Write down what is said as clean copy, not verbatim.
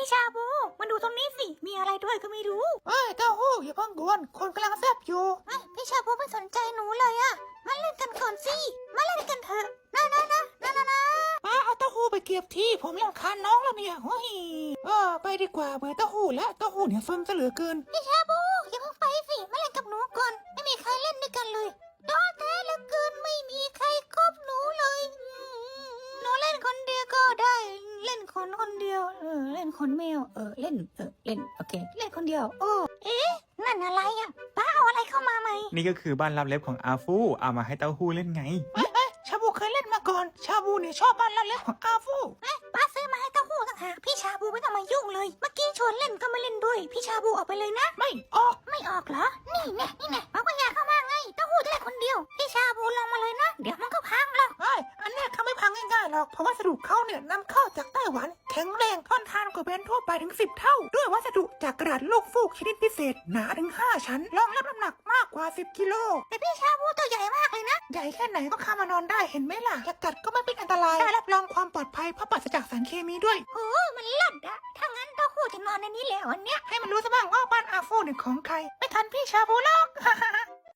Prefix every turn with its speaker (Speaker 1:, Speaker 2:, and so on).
Speaker 1: พี่ชาบูมาดูตรงนี้สิมีอะไรด้วยก็ไม่รู้
Speaker 2: เต้าหู้อย่าเพิ่งกวนคนกำลังแซ่บอยู่
Speaker 1: พี่ชาบูไม่สนใจหนูเลยอะมาเล่นกันก่อนสิมาเล่นกันเถอะนะ
Speaker 2: มาเอาเต้าหู้ไปเก็บที่ผมรำคาญน้องแล้วเนี่ยเฮ้ยไปดีกว่าเบื่อเต้าหู้แล้วเต้าหู้เนี่ยซนซะเหลือเกิน
Speaker 1: พี่ชาบูอย่าเพิ่งไปสิมาเล่นกับหนูก่อนไม่มีใครเล่นด้วยกันเลยท้อแท้เหลือเกินไม่มีใครคบหนูเลยหนูเล่นคนเดียวก็ได้เล่นคนเดียวเล่นคนแมวเล่นโอเคเล่นคนเดียวโอ้นั่นอะไรอ่ะป้าเอาอะไรเข้ามาไหม
Speaker 3: นี่ก็คือบ้านลับเล็บของอาฟูเอามาให้เต้าหู้เล่นไง
Speaker 2: ชาบูเคยเล่นมาก่อนชาบูเนี่ยชอบบ้านลับเล็บของอาฟู
Speaker 1: ป้าซื้อมาให้เต้าหู้ต่างหากพี่ชาบูไม่ต้องมายุ่งเลยเมื่อกี้ชวนเล่นก็ไม่เล่นด้วยพี่ชาบูออกไปเลยนะ
Speaker 2: ไม่ออก
Speaker 1: เหรอนี่แน่ป้าก็อยากเข้ามาไงเต้าหู้จะเล่นคนเดียวพี่ชาบูลงมาเลยนะเดี๋ยวมันก็พังหรอก
Speaker 2: อันเนี้ยเขาไม่พังง่ายๆหรอกเพราะวัสดุเขาเนี่ยนำเข้าจากไต้หวันแข็งแรงทนทานกว่าแบรนด์ทั่วไปถึง10 เท่าด้วยวัสดุจากกระดาษโลกฟูกชนิดพิเศษหนาถึง5 ชั้นรองรับน้ำหนักมากกว่า10 กิโล
Speaker 1: แต่พี่ชาบูตัวใหญ่มากเลยนะ
Speaker 2: ใหญ่แค่ไหนก็เข้ามานอนได้เห็นไหมล่ะจะกัดก็ไม่เป็นอันตรายได้รับรองความปลอดภัยเพราะปราศจากสารเคมีด้วย
Speaker 1: โอ้มันเลิศอะถ้างั้นเต้าหู้จะนอนในนี้แล้ววันเนี้ย
Speaker 2: ให้มันรู้ซะบ้างว่าบ้านอาฟูเนี่ยของใครไม่ทันพี่ชาบูหรอก